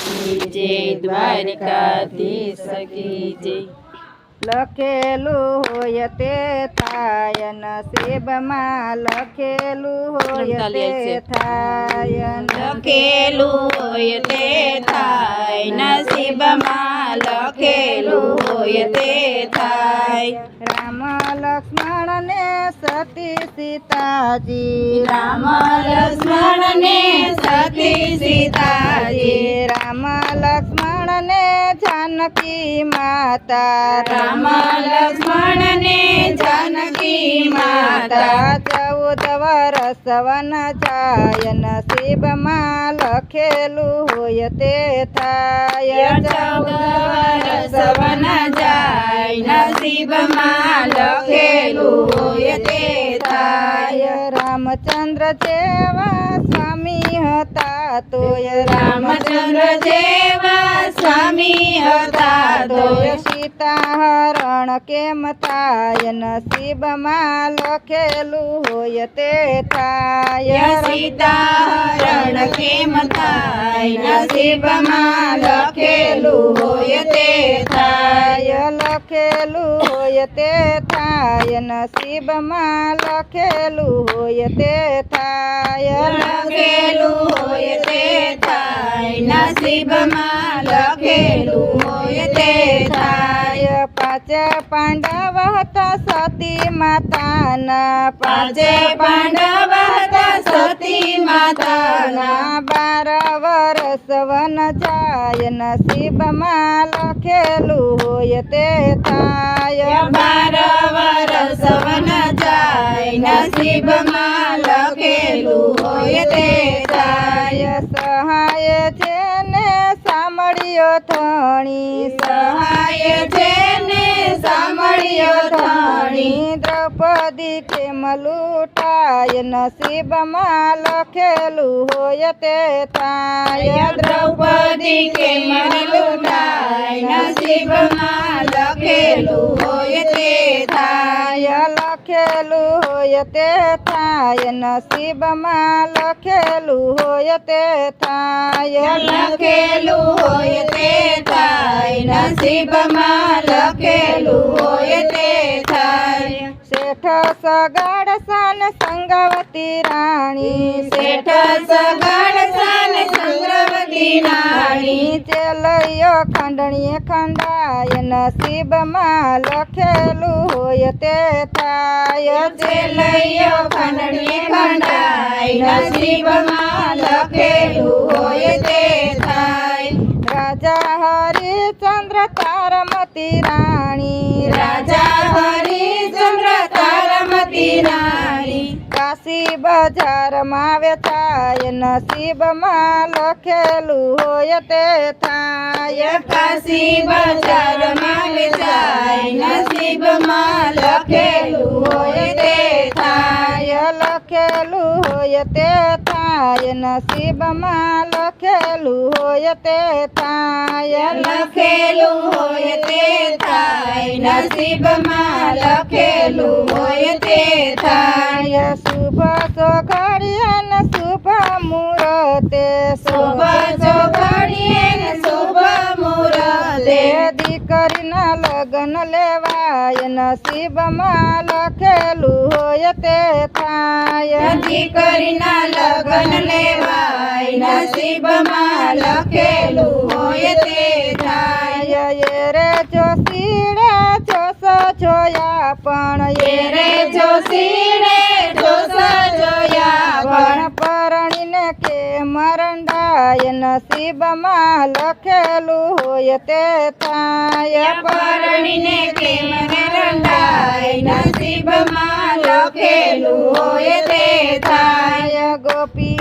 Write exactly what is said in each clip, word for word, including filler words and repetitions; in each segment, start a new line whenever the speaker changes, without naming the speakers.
की जय, द्वारिकाधीश की जय।
લખેલું હોય તે થાય નસીબમાં લખેલું હોય તે થાય
લખેલું હોય તે થાય નસીબમાં લખેલું હોય તે થાય।
રામ લક્ષ્મણ ને સતી સીતાજી
રામ લક્ષ્મણ ને સતી સીતાજી
રામ લક્ષ્મણ ને જાનકી માતા
રામ લક્ષ્મણ ને જાનકી માતા
ચૌદ વરસ વન જાય નસીબમાં લખેલું હોય તે થાય
ચૌદ વરસ વન જાય નસીબમાં લખેલું હોય તે થાય।
રામચંદ્ર જેવા સ્વામી હતા તોય
રામચંદ્ર જેવા સ્વામી હતા તોય
સીતા હરણ કેમ થાય નસીબમાં લખેલું હોય તે થાય
સીતા હરણ કેમ થાય નસીબમાં લખેલું હોય તે થાય।
લખેલું હોય તે થાય નસીબમાં લખેલું હોય તે થાય
લખેલું હોય તે થાય નસીબમાં લખેલું હોય તે થાય।
પાંચે પાંડવ હતા સતી માતાના
પાંચે પાંડવ હતા સતી માતાના
બાર વરસ વન જાય નસીબમાં લખેલું હોય તે થાય
બાર વરસ વન જાય નસીબમાં લખેલું હોય તે થાય।
સહાય છે ને સાંભળ્યો થણી
સહાય છે ને સાંભળ્યો ધણી
દ્રૌપદી કેમ લૂંટાય નસીબમાં લખેલું હોય તે થાય
દ્રૌપદી કેમ લૂંટાય નસીબમાં લખેલું હોય તે થાય।
લખેલું હોય તે થાય નસીબમાં લખેલું હોય તે થાય
લખેલું હોય તે થાય નસીબમાં લખેલું હોય તે થાય।
શેઠ સગાડ સાન સંગવતી રાણી
શેઠ સગાડ સાન સંગવતી રાણી
ચેલૈયો ખંડણીએ ખંડાય નસીબમાં લખેલું હોય તે થાય
ચેલૈયો ખંડણીએ ખંડાય નસીબમાં લખેલું હોય તે થાય।
રાજા હરિચંદ્ર તારમતી રાણી
રાજા હરિચંદ્ર તારમતી રાણી
કાશી બજારમાં વેચાય નસીબમાં લખેલું હોય તે થાય
કાશી બજારમાં વેચાય નસીબમાં લખેલું હોય તે થાય।
લખેલું હોય તે થાય નસીબમાં લખેલું હોય તે થાય
લખેલું હોય તે થાય નસીબમાં લખેલું હોય તે થાય।
શુભ સોઘડીએ ને શુભ મુહૂર્તે
શુભ ચોઘડીએ ને શુભ મુહૂર્તે
દીકરીના લગ્ન લેવાય નસીબમાં લખેલું હોય તે થાય
દીકરીના લગ્ન લેવાય નસીબમાં લખેલું હોય તે થાય।
એ રે જોશીડે જોશ જોયા પણ
એ રે જોશીડે જોશ જોયા પણ
પરણીને કે મરંડાય નસીબમાં લખેલું હોય તે થાય
પરણીને કેમ રંડાય નસીબમાં લખેલું હોય તે થાય।
ગોપી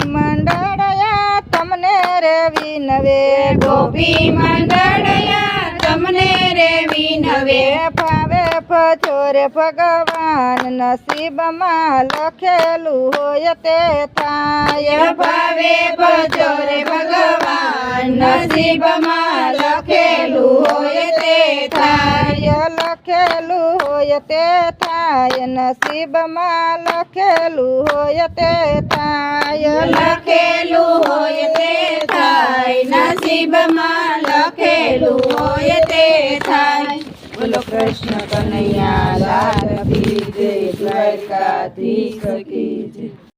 મંડળયા તમને રે વિનવે
ગોપી મંડળયા તમને રે વિનવે
ફાવે ફચોરે ભગવાન નસીબમાં લખેલું હોય તે થાય
ભાવે ભજોરે ભગવાન નસીબમાં લખેલું હોય તે થાય।
લખેલું હોય હોય તે થાય નસીબમાં લખેલું હોય તે થાય
લખેલું હોય તે થાય નસીબમાં લખેલું હોય તે થાય
બોલો કૃષ્ણ કનૈયા લાલ કી જય દ્વારકાધીશ કી જય